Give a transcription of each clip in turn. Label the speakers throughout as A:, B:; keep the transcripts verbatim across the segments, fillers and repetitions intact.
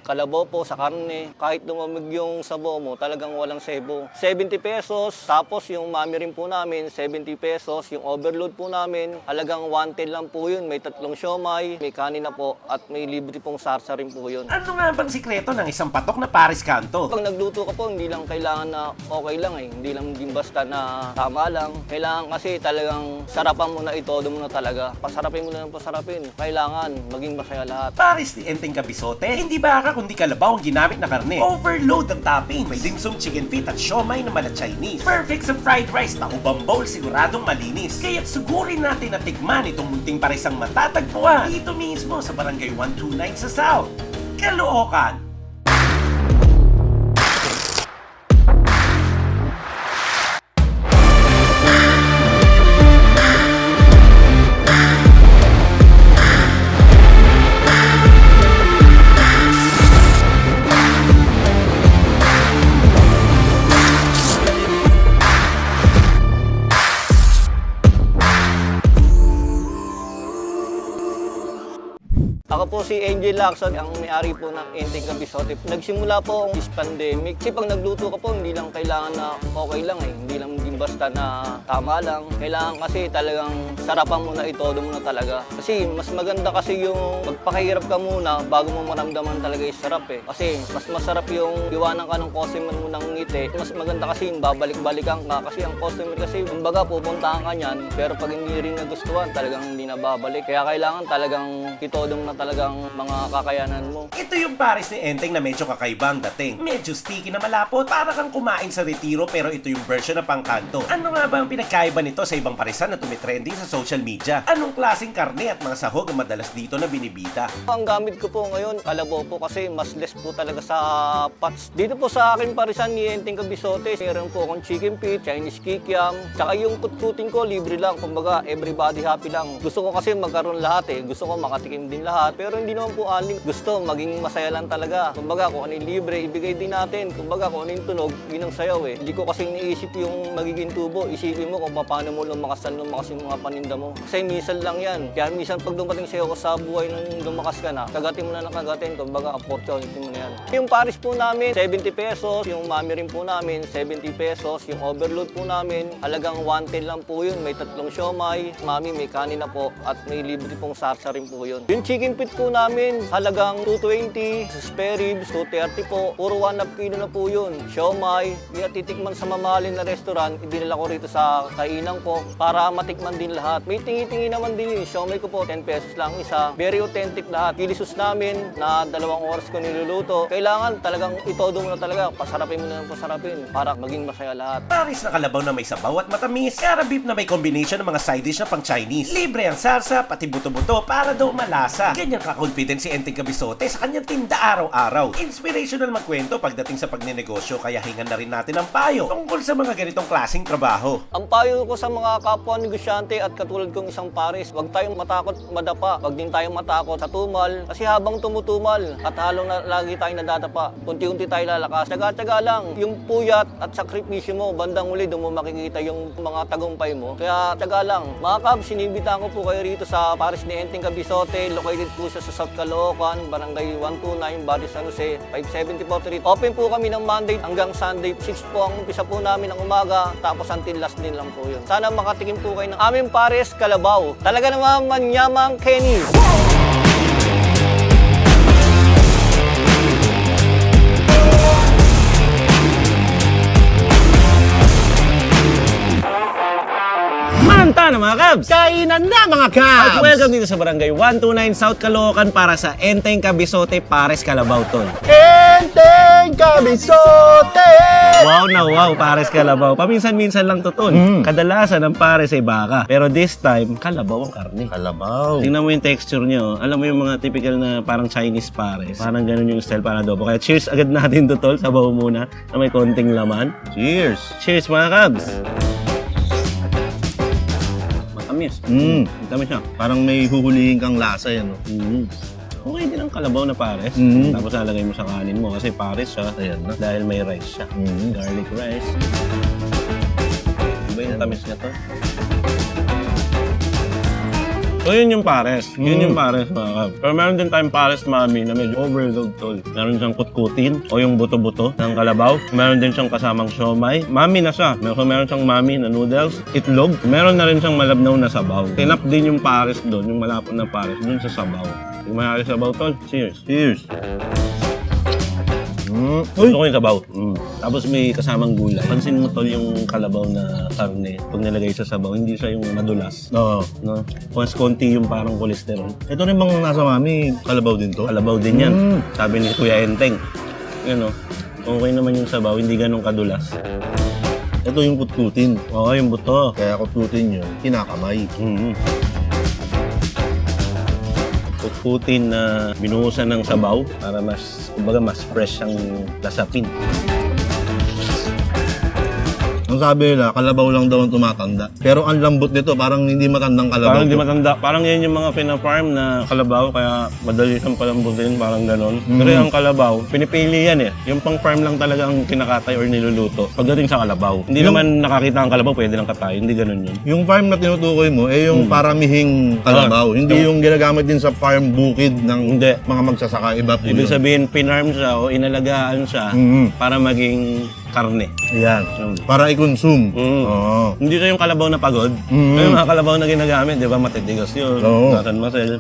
A: kalabaw po sa karne. Kahit lumamig yung sabaw mo, talagang walang sebo. seventy pesos. Tapos yung mami rin po namin, seventy pesos. Yung overload po namin, halagang one ten lang po yun. May tatlong siomay, may kanin na po, at may libre pong sarsa rin po yun.
B: Ano nga bang sikreto ng isang patok na Paris Canto?
A: Pag nagluto ka po, hindi lang kailangan na okay lang eh. Hindi lang din basta na tama lang. Kailangan kasi talagang sarapan mo na, itodo mo na talaga. Pasarapin mo na ng pasarapin. Kailangan maging masaya lahat.
B: Paris ni Enteng Kabisote, hindi baka kundi kalabaw ang ginamit na karne. Overload ang toppings. May dimsum, chicken feet at siomay na mala Chinese. Perfect sa fried rice na ubang bowl, siguradong malinis. Kaya't sugurin natin na tikman itong munting parisang matatagpuan dito mismo sa Barangay one two nine sa South, Caloocan.
A: Ako po si Angel Lacson, ang may-ari po ng Enteng Kabisote. Nagsimula po ang this pandemic. Kasi pag nagluto ka po, hindi lang kailangan na okay lang eh. Hindi lang din basta na tama lang. Kailangan kasi talagang sarapan mo na, itodo mo na talaga. Kasi mas maganda kasi yung magpakahirap ka muna bago mo maramdaman talaga yung sarap eh. Kasi mas masarap yung iwanan ka ng customer mo ng ngiti. Mas maganda kasi yung babalik-balikan ka. Kasi ang customer kasi, kumbaga pupuntahan ka niyan, pero pag hindi rin nagustuhan, talagang hindi na babalik. Kaya kailangan talagang itodo mo na talagang mga kakayanan mo.
B: Ito yung Paris ni Enteng na medyo kakaibang dating. Medyo sticky na malapot, para kang kumain sa retiro, pero ito yung version na pangkanto. Ano nga ba ang pinagkaiba nito sa ibang parisan na tumitrending sa social media? Anong klaseng karne at mga sahog ang madalas dito na binibita?
A: Ang gamit ko po ngayon, kalabaw po kasi mas less po talaga sa pots. Dito po sa akin parisan ni Enteng Kabisote, meron po akong chicken feet, Chinese kikiam, tsaka yung kutkutin ko libre lang, kumbaga everybody happy lang. Gusto ko kasi magkaroon lahat eh, gusto ko makatikim din lahat. Pero hindi naman po aling gusto, maging masaya lang talaga. Kumbaga kung ano yung libre, ibigay din natin. Kumbaga kung ano yung tunog, yun ang sayaw eh. Hindi ko kasi iniisip yung magiging tubo. Isipin mo kung paano mo lumakas na lumakas yung mga paninda mo. Kasi minsan lang yan. Kaya minsan pag dumating sa'yo ko sa buhay nung lumakas ka na, kagatin mo na ng kagatin. Kumbaga opportunity mo na yan. Yung Paris po namin, seventy pesos. Yung mami rin po namin, seventy pesos. Yung overload po namin, halagang one ten lang po yun. May tatlong siomay, mami may kanin na po, at may libre pong sarsa rin po yun. Yung chicken feet po namin, halagang two twenty, sa spare ribs, two thirty po. Puro one half kilo na po yun. Siomay, hindi na titikman sa mamahalin na restaurant, idinala ko rito sa kainan ko para matikman din lahat. May tingi-tingi naman din yun. Siomay ko po, ten pesos lang isa. Very authentic lahat. Kilisus namin na dalawang oras ko niluluto. Kailangan talagang itodo mo na talaga. Pasarapin mo na ng pasarapin para maging masaya lahat.
B: Paris na kalabaw na may sabaw at matamis. Kara beef na may combination ng mga side dish na pang Chinese. Libre ang sarsa, pati buto-buto para daw malasa. Ganyan ka-confident si Enteng Kabisote sa kanyang tinda araw-araw. Inspirational magkwento pagdating sa pagnenegosyo, kaya hingan na rin natin ang payo tungkol sa mga ganitong klaseng trabaho.
A: Ang payo ko sa mga kapwa negosyante at katulad kong isang Paris, huwag tayong matakot madapa. Huwag din tayong matakot sa tumal. Kasi habang tumutumal at halong na, lagi tayong nadadapa, unti-unti tayo lalakas. Tsaga-tsaga lang. Yung puyat at sakripisyo mo, bandang huli doon mo makikita yung mga tagumpay mo. Kaya tsaga lang. Mga kabs, sinibitahan ko po kayo rito sa Paris ni Enteng Kabisote. Located po siya sa South Caloocan, Barangay one two nine, Barrio San Jose, five seventy-four Street. Open po kami ng Monday hanggang Sunday. six po ang umpisa po namin ng umaga, tapos until last din lang po yun. Sana makatikim po kayo ng aming Paris Kalabaw. Talaga naman manyamang Kenny.
C: Manta na mga Kabs!
B: Kainan na mga Kabs!
C: At welcome dito sa Barangay one two nine South Caloocan para sa Enteng Kabisote Pares Kalabaw Tol.
D: Enteng Kabisote!
C: Wow na wow, Pares Kalabaw. Paminsan-minsan lang to Tol.
D: Mm.
C: Kadalasan ang Pares ay baka. Pero this time, kalabaw ang karne.
D: Kalabaw.
C: Tingnan mo yung texture nyo. Alam mo yung mga typical na parang Chinese Pares. Parang ganun yung style para adobo. Kaya cheers agad natin to Tol. Sabaw muna na may konting laman.
D: Cheers!
C: Cheers mga Kabs! Matamis.
D: Mm.
C: Matamis siya.
D: Parang may huhulihin kang lasa yan. No?
C: Mm. Okay din ang kalabaw na pares.
D: Mm.
C: Tapos lalagay mo sa kanin mo kasi pares siya.
D: Ayan na.
C: Dahil may rice siya.
D: Mm.
C: Garlic rice. Iba yung tamis niya to. So yun yung pares. Yun yung pares mga kab. Pero meron din tayong pares mami na medyo overload tol. Meron siyang kutkutin o yung buto-buto ng kalabaw. Meron din siyang kasamang siomay. Mami na siya. Meron, meron siyang mami na noodles, itlog. Meron na rin siyang malabnaw na sabaw. Tinap din yung pares doon, yung malapot na pares doon sa sabaw. Yung mayari sabaw tol. Cheers.
D: Cheers. Mm. Uy!
C: Gusto ko yung sabaw. Mm. Tapos may kasamang gulay. Pansin mo tol yung kalabaw na karne. Pag nilagay sa sabaw, hindi siya yung madulas.
D: Oo.
C: No? Mas konti yung parang kolesterol.
D: Ito rin bang nasa mami, kalabaw din to?
C: Kalabaw din yan.
D: Mm.
C: Sabi ni Kuya Enteng. Yun o. Okay naman yung sabaw, hindi ganun kadulas.
D: Ito yung kutkutin.
C: Oo, yung buto.
D: Kaya kutkutin yun, kinakamay.
C: Mm-hmm. Kutkutin na binuhusan ng sabaw para mas, kumbaga mas fresh ang lasapin.
D: Ang sabi nila, kalabaw lang daw ang tumatanda. Pero ang lambot nito, parang hindi matandang kalabaw.
C: Parang hindi
D: to.
C: matanda. Parang yan yung mga pina-farm na kalabaw, kaya madali siyang palambutin, parang ganon.
D: Mm.
C: Pero yung kalabaw, pinipili yan eh. Yung pang-farm lang talaga ang kinakatay or niluluto pagdating sa kalabaw. Hindi
D: Yung-
C: naman nakakita ang kalabaw, pwede lang katay. Hindi ganon yun.
D: Yung farm na tinutukoy mo, eh yung paramihing kalabaw.
C: Ah,
D: hindi yung ginagamit din sa farm bukid ng
C: Hindi.
D: mga magsasaka. Iba po
C: Ibig
D: yun.
C: sabihin, pinarm siya o inalagaan siya
D: Mhm.
C: para maging karne.
D: Ayan.
C: Yun.
D: Para i-consume.
C: Mm.
D: Oo.
C: Hindi siya yung kalabaw na pagod.
D: Mm.
C: Yung mga kalabaw na ginagamit, di ba, matitigas yun.
D: Oo.
C: Nasan masel.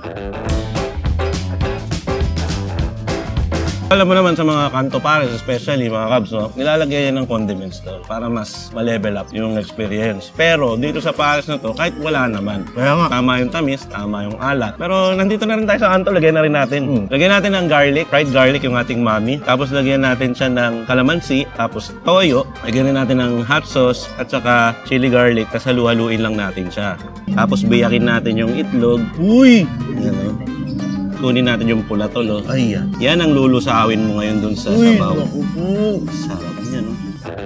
C: Alam mo naman sa mga kanto pares, especially mga kabs, no? Nilalagay yan ng condiments to para mas ma-level up yung experience. Pero dito sa pares na to, kahit wala naman.
D: Kaya nga.
C: Tama yung tamis, tama yung alat. Pero nandito na rin tayo sa kanto, lagyan na rin natin.
D: Mm.
C: Lagyan natin ng garlic, fried garlic yung ating mami. Tapos lagyan natin siya ng calamansi, tapos toyo. Lagyan rin natin ng hot sauce at saka chili garlic. Tapos halu-haluin lang natin siya. Tapos biyakin natin yung itlog.
D: Uy!
C: Yan, oh. Kunin natin yung pula tol, oh.
D: Ayan.
C: Yan ang lulusawin mo ngayon dun sa
D: Uy!
C: sabaw.
D: Naku po.
C: Sarap niya, no?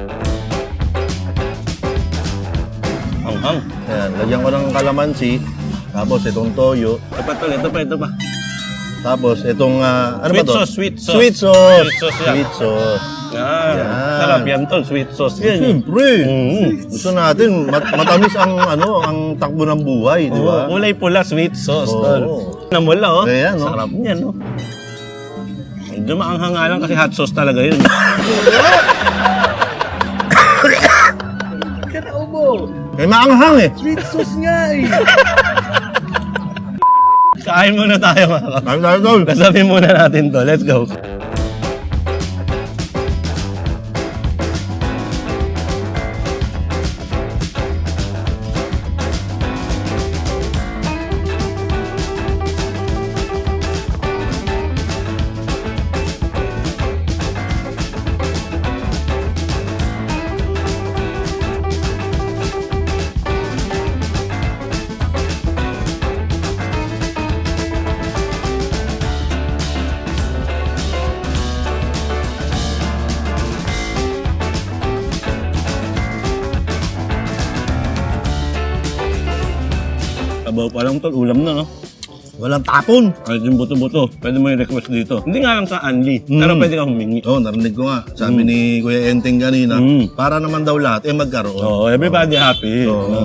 C: Ang-ang.
D: Ayan. Lagyan ko ng kalamansi. Tapos itong toyo.
C: Ito pa tol, ito pa, ito pa.
D: Tapos itong, ah, ano
C: Sweet
D: ba to?
C: sauce, sweet sauce.
D: Sweet sauce.
C: Sweet sauce yan.
D: Sweet sauce.
C: Yan.
D: Yan.
C: Sarap yan tol, sweet sauce yan.
D: Siyempre.
C: Mm.
D: Gusto natin, mat- matamis ang ano, ang takbo ng buhay, di ba?
C: Oo, kulay pula, sweet sauce,
D: Oo.
C: tol. Namula, oh.
D: Ayan, oh.
C: Sarap niyan, no? Medyo maanghang nga lang kasi hot sauce talaga yun.
D: Kaya maanghang eh.
C: Kain muna tayo, mga kap.
D: Tayo tayo tol.
C: Kasabi muna natin to. Let's go. Sabaw pa lang tol, ulam na, no?
D: Walang tapon.
C: Kahit yung buto-buto, pwede mo i-request dito. Hindi nga lang sa Anli,
D: Mm.
C: pero pwede kang humingi.
D: Oo, oh, narinig ko nga. Sabi ni Kuya Enteng kanina,
C: Mm.
D: para naman daw lahat, eh magkaroon.
C: Oo, everybody happy.
D: Oo.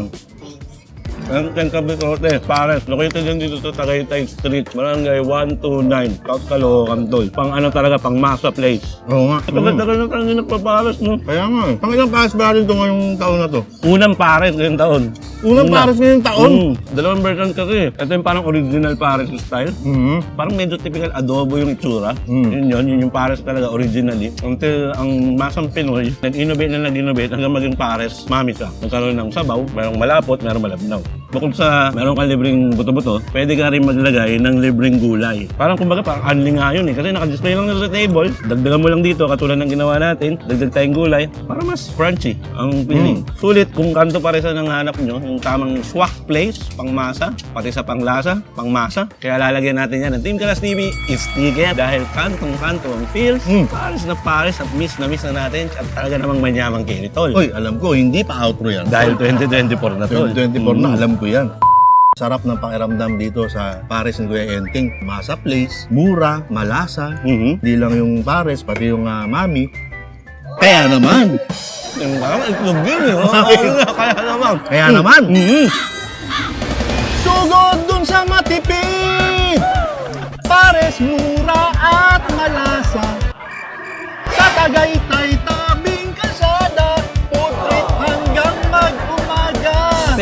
C: Ang Tenka Bisote, Pares, located din dito sa Tagaytay Street, Barangay one two nine, South Caloocan, tol. Pang ano talaga, pang masa place.
D: Oo nga. Mm.
C: Tagal-tagal na tayo nagpapares, no?
D: Kaya nga eh. Pang ilang pares ba rin ito ngayong taon na to?
C: Unang Pares ngayong taon.
D: Unang
C: Una.
D: pares ngayong taon?
C: Mm, dalawang version kasi. Ito yung parang original Pares style.
D: Mhm.
C: Parang medyo typical adobo yung itsura.
D: Mm.
C: Yun yun, yun yung Pares talaga originally. Until ang masang Pinoy, nag-innovate na nag-innovate hanggang maging Pares, mami siya. Nagkaroon ng sabaw, merong malapot, merong malabnaw. Bukod sa meron kang libreng buto-buto, pwede ka rin maglagay ng libreng gulay. Parang kumbaga parang unli nga yun eh. Kasi naka-display lang na sa table, dagdagan mo lang dito katulad ng ginawa natin, dagdag tayong gulay, para mas crunchy ang feeling. Sulit kung kanto pa rin sa nanganap nyo, yung tamang swak place, pangmasa, pati sa panglasa, pangmasa. Kaya lalagyan natin yan ng Team Kalas T V sticker dahil kantong-kanto ang feels.
D: Mm.
C: Pares na pares at miss na miss na natin at talaga namang manyamang kinitol.
D: Uy, alam ko, hindi pa outro yan.
C: Dahil twenty twenty-four na to.
D: twenty twenty-four na,
C: Mm.
D: alam ko yan. Sarap ng pakiramdam dito sa Pares ni Kuya Enteng. Masa place, mura, malasa.
C: Mhm.
D: Hindi lang yung Pares, pati yung ah, mami. Kaya naman!
C: Yung parang itlog yun eh. Oh, kaya naman.
D: Kaya naman!
C: Mhm.
D: Sugod dun sa matipid, pares mura at malasa. Sa Tagaytay, tabing kalsada, food trip hanggang mag-umaga.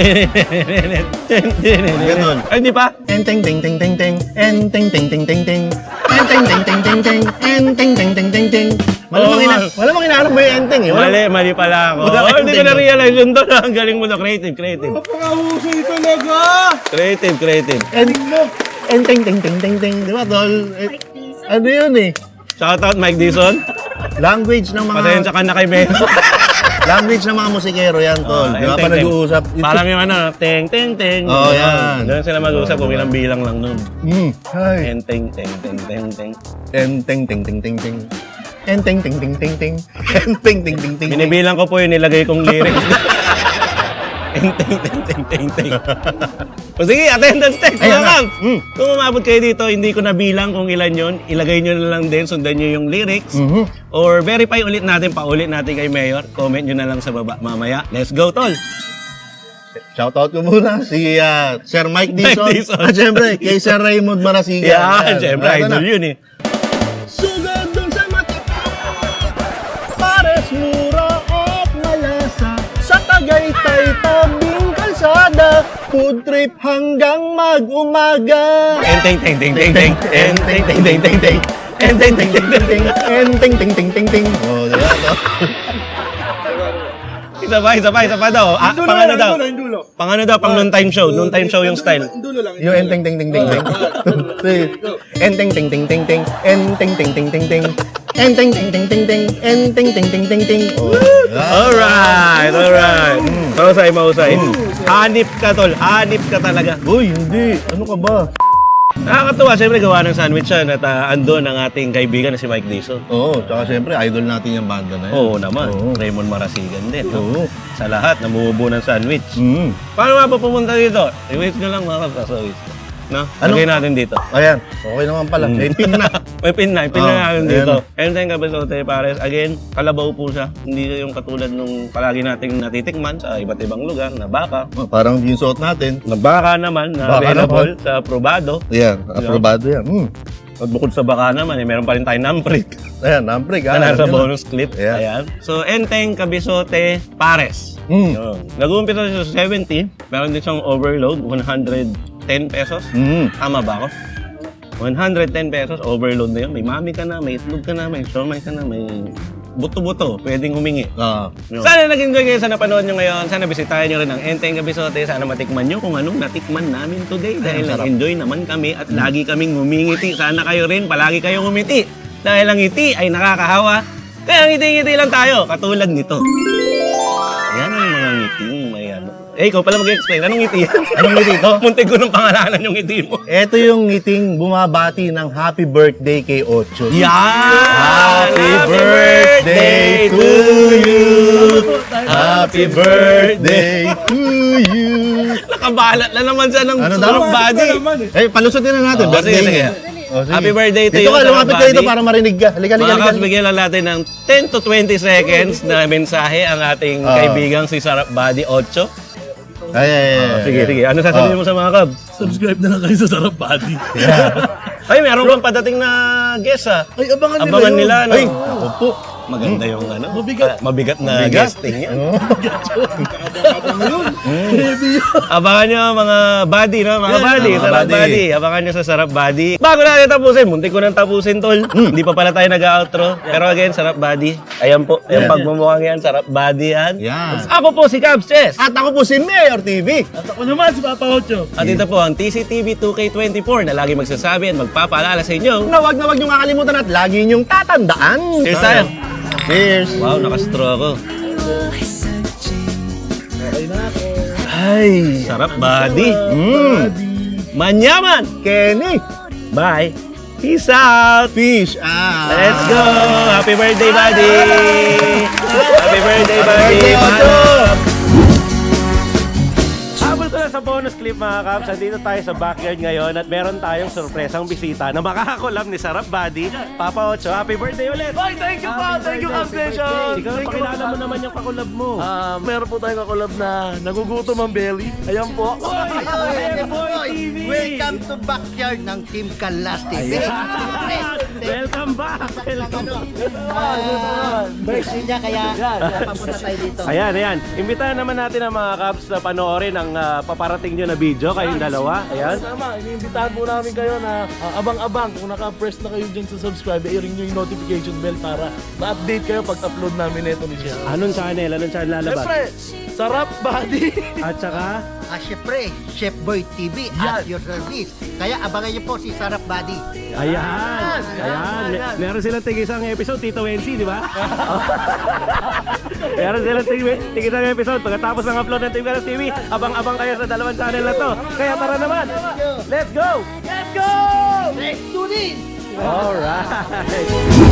D: Ganun.
C: Ay, di pa?
D: Enteng ting ting ting ting, enteng ting ting ting ting, enteng ting ting ting ting, enteng ting ting ting ting. Malamang
C: Oo,
D: ina,
C: nga.
D: malamang inaarap mo yung enteng eh. Wala-
C: Mali, mali pala ako.
D: Wala
C: Oh,
D: kang
C: hindi ko
D: tingin.
C: na-realize yun doon. Ang galing mo na. Creative, creative.
E: Napakahusay talaga!
C: Creative, creative.
D: En- Enteng ting ting ting ting, di ba tol? Eh, ano yun eh?
C: Shoutout Mike Dizon.
D: Language ng mga
C: Pasensya ka na kay Melo.
D: language ng mga musikero yan tol. Di ba pa nag-uusap?
C: Parang yung ano, teng, teng, teng.
D: Oo, yan.
C: Doon sila mag-uusap kung
D: Oo,
C: ilang bilang lang nun.
D: Hmm. Ay.
C: Teng, teng, teng, teng, teng, teng.
D: Enteng ting ting ting ting. Enteng ting ting ting ting. Enteng ting ting ting.
C: Binibilang ko po yung nilagay kong lyrics. Teng, teng, teng, teng, teng, teng. O sige, attendance check.
D: Ayan
C: Mga
D: na.
C: Kams.
D: Mm.
C: Kung umabot kayo dito, hindi ko nabilang kung ilan yon. Ilagay nyo na lang din, sundan nyo yung lyrics.
D: Mhm.
C: Or verify ulit natin, paulit natin kay Mayor. Comment nyo na lang sa baba mamaya. Let's go, tol!
D: Shoutout ko muna si ah, Sir Mike
C: Mike
D: Dizon.
C: Dizon.
D: At syempre, kay Sir Raymond Marasigan.
C: Yeah, syempre,
D: Ito na.
C: idol yun eh.
D: Sugod dun sa matipid, pares mura at malasa. Sa Tagaytay, tabing kalsada, food trip hanggang mag-umaga.
C: Enteng, teng, teng, teng, teng. Enteng, teng, teng, teng, teng. Enteng, teng, teng, teng, teng.
D: Enteng ting ting ting ting. Oh, diba to?
C: Isa pa, isa pa, isa pa daw. Ah,
E: Yung dulo
C: pang
E: lang,
C: ano daw?
E: yung dulo, yung dulo.
C: Pang ano daw? Pang noon time show. Noon time show yung style.
E: Yung dulo lang.
D: Yung enteng ting ting ting ting. Enteng ting ting ting ting. Enteng ting ting ting ting. Enteng ting ting ting ting. Enteng ting ting ting ting. Oh,
C: Alright, alright. Mausay, mausay. Hanip ka, tol. Hanip ka talaga.
D: Uy, hindi. Ano ka ba?
C: Nakakatuwa, siyempre gawa ng sandwich yan at uh, andun ang ating kaibigan na si Mike Dizon.
D: Oo, tsaka syempre, idol natin yung banda na yan.
C: Oo naman,
D: Oo.
C: Raymond Marasigan din. no?
D: Oo.
C: Sa lahat, namumubo ng sandwich.
D: Mm.
C: Paano nga ba pumunta dito? I-wait nyo lang mga kapasawis. No?
D: Ano?
C: Lagay natin dito.
D: Ayan, okay naman pala.
C: Mm.
D: May pin na.
C: May pin na, pin
D: Oo,
C: na natin
D: ayan
C: dito.
D: na.
C: And then kabasote pares, again, kalabaw po siya. Hindi yung katulad nung palagi nating natitikman sa iba't ibang lugar na baka.
D: Oh, parang yung suot natin.
C: Na baka naman na
D: Baka
C: available sa Probado.
D: Ayan, aprobado yan. Mm.
C: At bukod sa baka naman, eh, meron pa rin tayong namprik
D: Ayan, namprig.
C: na nasa bonus clip.
D: Ayan.
C: Ayan. So, Enteng, Kabisote, Pares.
D: Mm.
C: Yun. Nag-uumpisa siya sa seventy. Meron din siyang overload, one hundred ten pesos.
D: Mm.
C: Tama ba ako? one hundred ten pesos, overload na yun. May mami ka na, may itlog ka na, may siomay ka na, may buto-buto. Pwedeng humingi.
D: Ah.
C: Yun. Sana nag-enjoy kayo sa napanood nyo ngayon. Sana bisitahin nyo rin ang Enteng Kabisote. Sana matikman nyo kung anong natikman namin today. Dahil
D: sarap.
C: nag-enjoy naman kami at lagi kaming ngumingiti. Sana kayo rin, palagi kayong ngumiti. Dahil ang ngiti ay nakakahawa. Kaya ngiti-ngiti lang tayo, katulad nito. Yan ang mga ngiting may ano. Eh, ikaw pala mag-explain. Anong ngiti yan?
D: Anong ngiti to?
C: Muntik ko ng pangalanan yung ngiti mo.
D: Ito yung ngiting bumabati ng happy birthday kay Ocho.
C: Yan!
D: Happy birthday to you! Happy birthday to you!
C: Nakabalat na naman siya ng
D: Ano daw?
C: sarap body.
D: Eh, palusutin na natin.
C: Oh, sige, sige.
D: Oh, sige.
C: Happy birthday to
D: Dito
C: you,
D: ka,
C: Sarap
D: lumapit ka dito
C: Buddy.
D: para marinig ka. Halika, halika,
C: Mga
D: halika.
C: Kabs, bigyan lang natin ng ten to twenty seconds na mensahe ang ating
D: Ah.
C: kaibigang si Sarap Body Ocho.
D: Ay, ay, ay, ay.
C: Sige, sige. Ano sasabihin
D: Ah.
C: mo sa mga Kabs?
E: Subscribe na lang kayo sa Sarap Body.
C: Ay, meron pang padating na guest ah.
E: Ay, abangan nila
C: Abangan
E: yun.
C: nila, no?
D: Ay, ako po.
C: Maganda yung ano.
E: Mabigat.
C: ah, mabigat na
D: Mabigat.
C: guesting yan.
D: Oh.
E: Abang yun. Heavy yun.
C: Abangan nyo mga buddy, no? Mga
E: Yeah,
C: buddy,
D: mga
C: sarap
D: buddy.
C: buddy. Abangan nyo sa sarap buddy. Bago natin tapusin, muntik ko nang tapusin, tol. Hindi pa pala tayo nag-outro. Pero again, sarap buddy. Ayan po, yung
D: Yeah.
C: pagmumukhang yan, sarap buddy yan.
D: Yan.
C: Ako po si Cabs Chess.
D: At ako po si Mayor T V.
E: At ako naman si Papa Ocho.
C: At ito po ang T C T V two K twenty-four na lagi magsasabi at magpapaalala sa inyo.
D: Na wag na wag niyong kakalimutan at lagi niyong tatandaan.
C: Cheers tayo.
D: Cheers.
C: Wow, nakastraw ako.
E: Okay na ako.
D: Ay.
C: Sarap buddy.
D: Mm.
C: Manyaman.
D: Kenny.
C: Bye. Peace out.
D: Fish. Ah.
C: Let's go! Happy birthday, buddy! Happy birthday, buddy!
D: birthday, Ocho!
C: Habol ko na sa
B: bonus clip mga Kabs, andito tayo sa backyard ngayon at meron tayong sorpresang bisita na makakakolab ni Sarap Buddy, Papa Ocho. Happy birthday ulit!
E: Ay, thank you po! Thank you, Kabs Nation!
B: Ikaw, pakilala mo naman yung kakolab mo.
E: Ah, meron po tayong kakulab na nagugutom ang belly. Ayan po.
F: Welcome to backyard ng Team Kalas T V.
B: Welcome back! Welcome back!
F: Birthday niya kaya papunta tayo dito.
B: Ayan, ayan. Imbitahan naman natin ang mga Kabs na panoorin ang ah, paparating nyo na video, kayong dalawa. Ayan.
E: Tama, iniimbitahan po namin kayo na ah, abang-abang kung naka-press na kayo dyan sa subscribe, i-ring nyo yung notification bell para ma-update kayo pag upload namin ito ni Siya.
B: Anong channel? Anong channel lalabas?
E: Siyempre, Sarap Buddy!
B: At saka,
F: Ah, syempre, Chef Boy T V at your service. Kaya abangan niyo po si Sarap Buddy.
B: ayan. Ayan. Me- Meron silang tig-isang episode, Tito Wensi, di ba? Meron silang tig- tig-isang episode. Pagkatapos ng upload ng Team Kalas T V, abang-abang kayo sa dalawang channel na to. Kaya tara naman. Let's go! Let's go!
F: Let's do this!
B: Alright.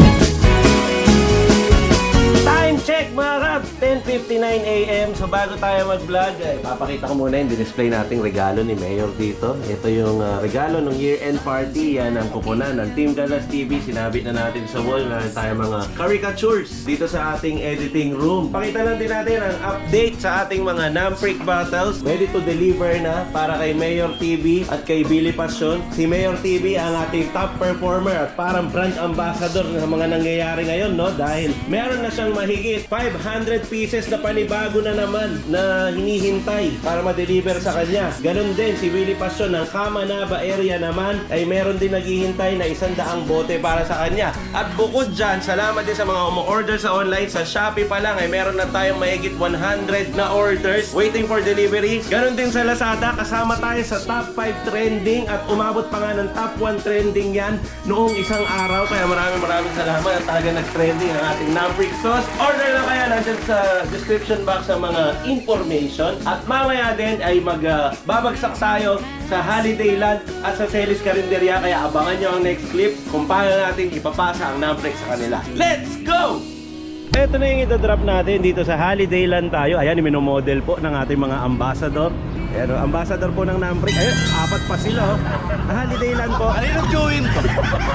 B: Time check mga Kabs, ten fifty-nine a m So bago tayo mag-vlog, eh, papakita ko muna yung display nating regalo ni Mayor dito. Ito yung ah, regalo ng year-end party. Yan ang kuponan ng Team Kalas T V. Sinabit na natin sa wall na tayo mga caricatures dito sa ating editing room. Pakita lang din natin ang update sa ating mga Namprick bottles. Ready to deliver na para kay Mayor T V at kay Billy Passion. Si Mayor T V ang ating top performer at parang brand ambassador ng mga nangyayari ngayon, no? Dahil meron na siyang mahigit five hundred pieces na panibago na naman na hinihintay para ma-deliver sa kanya. Ganon din si Willie Passion ng Kamanaba area naman ay meron din naghihintay na isang daang bote para sa kanya. At bukod dyan, salamat din sa mga umu-order sa online. Sa Shopee pa lang ay meron na tayong mahigit one hundred na orders waiting for delivery. Ganon din sa Lazada, kasama tayo sa top five trending at umabot pa nga ng top one trending yan noong isang araw. Kaya maraming maraming salamat at talaga nag-trending ang ating Namprick sauce. Order na kaya nandyan sa description box ang mga information. At mamaya din ay magbabagsak tayo sa Holiday Land at sa Celis Carinderia. Kaya abangan nyo ang next clip kung paano natin ipapasa ang Namprick sa kanila. Let's go! Ito na yung ito-drop natin dito sa Holiday Land tayo. Ayan, minomodel po ng ating mga ambassador. Ayan, oh, ambassador po ng Namprick. Ayun, apat pa sila. Oh. Holiday Land po. Ano yung join ko?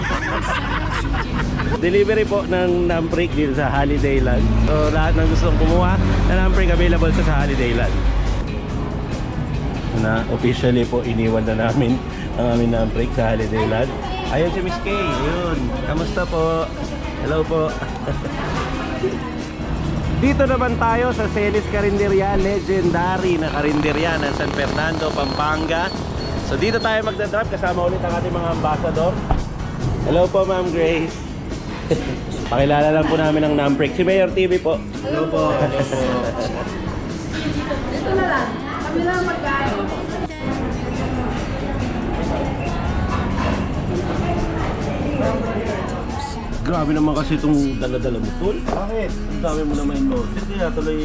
B: Delivery po ng Namprick dito sa Holiday Land. So lahat ng gustong kumuha na Namprick available sa, sa Holiday Land. Na officially po iniwan na namin ang aming Namprick sa Holiday Land. Ayun si Miss Kay. Ayun. Kamusta po? Hello po. Dito naman tayo sa Celis Carinderia, legendary na karinderya ng San Fernando, Pampanga. So dito tayo magdadrop kasama ulit ang ating mga ambassador. Hello po Ma'am Grace. Pakilala lang po namin ang Namprick. Si Mayor T V po. Hello po. Hello po.
G: Ito na lang. Kami lang magkain.
B: Grabe naman kasi itong dala-dala mo, tol.
E: Bakit?
B: Ang dami mo naman yung order. Kaya tuloy...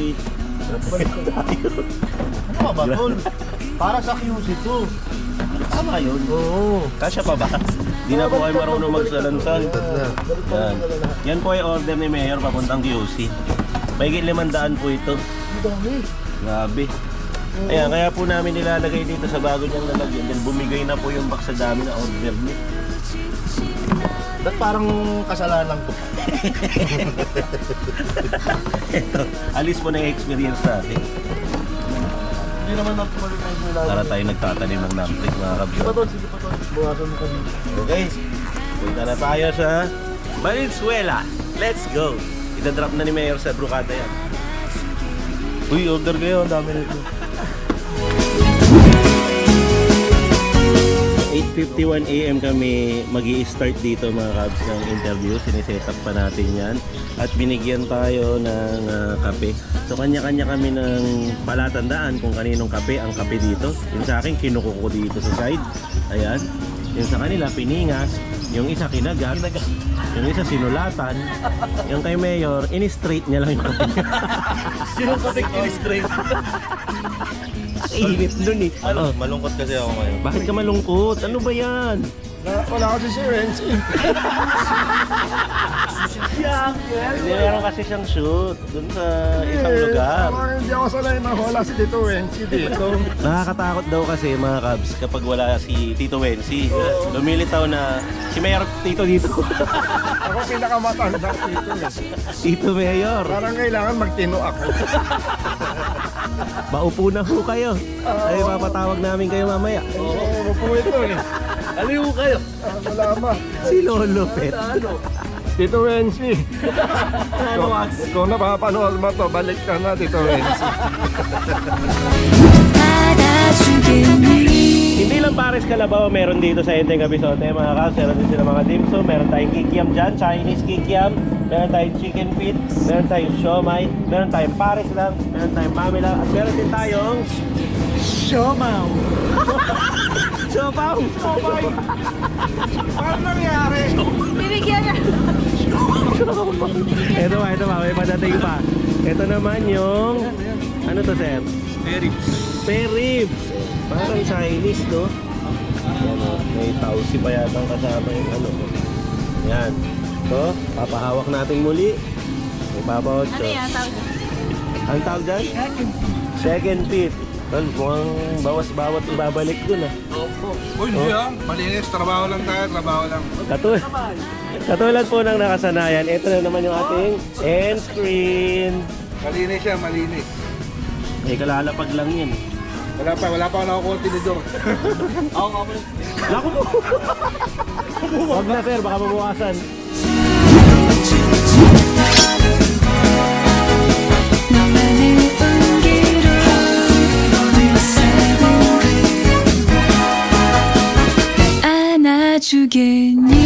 E: Ano ka ba, tol? Para sa Q C to.
B: Tama yun.
E: Oo.
B: Kasya pa ba? Di na po kayo marunong magsalansan. Yan. Yan po ay order ni Mayor papuntang Q C. Mahigit limandaan po ito.
E: Ang dami.
B: Grabe. Ayan, kaya po namin nilalagay dito sa bago niyang lalagyan. Then bumigay na po yung box sa dami na order niya.
E: Ba't parang kasalanan ko?
B: Ito, alis mo na yung experience natin.
E: Hindi naman natuloy na yung nilalagay.
B: Para tayo nagtatanim ng Namprick mga
E: Sige pa,
B: kabyo.
E: tol. Sige pa, tol. Buwasan mo kami.
B: Okay, punta na tayo sa Valenzuela. Let's go! Ita-drop na ni Mayor sa Brocada yan.
E: Uy, order kayo. Ang dami nito.
B: eight fifty-one a m kami magi-start dito mga Kabs ng interview. Siniset up pa natin yan. At binigyan tayo ng uh, kape. So kanya-kanya kami ng palatandaan kung kaninong kape ang kape dito. Yung sa akin, kinuko ko dito sa side. Ayan. Yung sa kanila, piningas. Yung isa, kinagat. Yung isa, sinulatan. Yung kay Mayor, in-straight niya lang yung kape.
E: Sino ka in-straight?
B: Init dun eh. Oh,
E: Malungkot kasi ako ngayon.
B: bakit ka malungkot? Ano ba yan?
E: Wala kasi si Renzi. Uncle.
H: Hindi, meron kasi siyang shoot dun sa isang lugar.
D: Parang hindi ako sanay mahula si Tito Wensi dito.
H: Nakakatakot daw kasi mga Cubs kapag wala si Tito Wensi. Lumilitaw na si Mayor Tito dito.
D: Ako pinakamatanda dito eh.
H: Tito Mayor.
D: Parang kailangan magtino ako.
H: Maupo na ho kayo. Ay, papatawag namin kayo mamaya.
D: Oo, po ito eh.
E: Aliw kayo.
D: Ah, Malama.
H: Si Lolo Pet.
E: Ano?
D: Tito Wensi.
E: Ano,
D: Kung,
E: Max?
D: kung napapanood mo to, balik ka na, Tito Wensi.
H: Hindi lang pares kalabaw meron dito sa Enteng Kabisote mga Cubs. Meron din sila mga dim sum. Meron tayong kikiam dyan, Chinese kikiam. Meron tayong chicken feet. Meron tayong siomay. Meron tayong pares lang. Meron tayong mami lang. At meron din tayong siomaw. Siopaw. Siomay.
D: Paano nangyari?
G: Binigyan niya.
H: Ito pa, ito pa. May padating pa. Ito naman yung... Ano to, sir? Peribs. Peribs. Parang Chinese, no? Yan, oh. May tausi pa yata ang kasama yung ano. Yan. So, papahawak natin muli. May Papa Ocho.
G: Ano yan? Tawag
H: Ang tawag dyan? Second pit. Well, mukhang bawas-bawat ibabalik dun, ah.
I: Uy, hindi ah. Malinis. Trabaho lang tayo. Trabaho lang.
H: Katulad, katulad po ng nakasanayan, ito na naman yung ating end screen.
I: Malinis siya. Malinis.
H: Eh, kalalapag lang yun.
I: Wala pa. Wala pa ako nakukuha tinidor.
H: Naku po! Huwag na, sir. Baka mabukasan.
J: 안아주겠니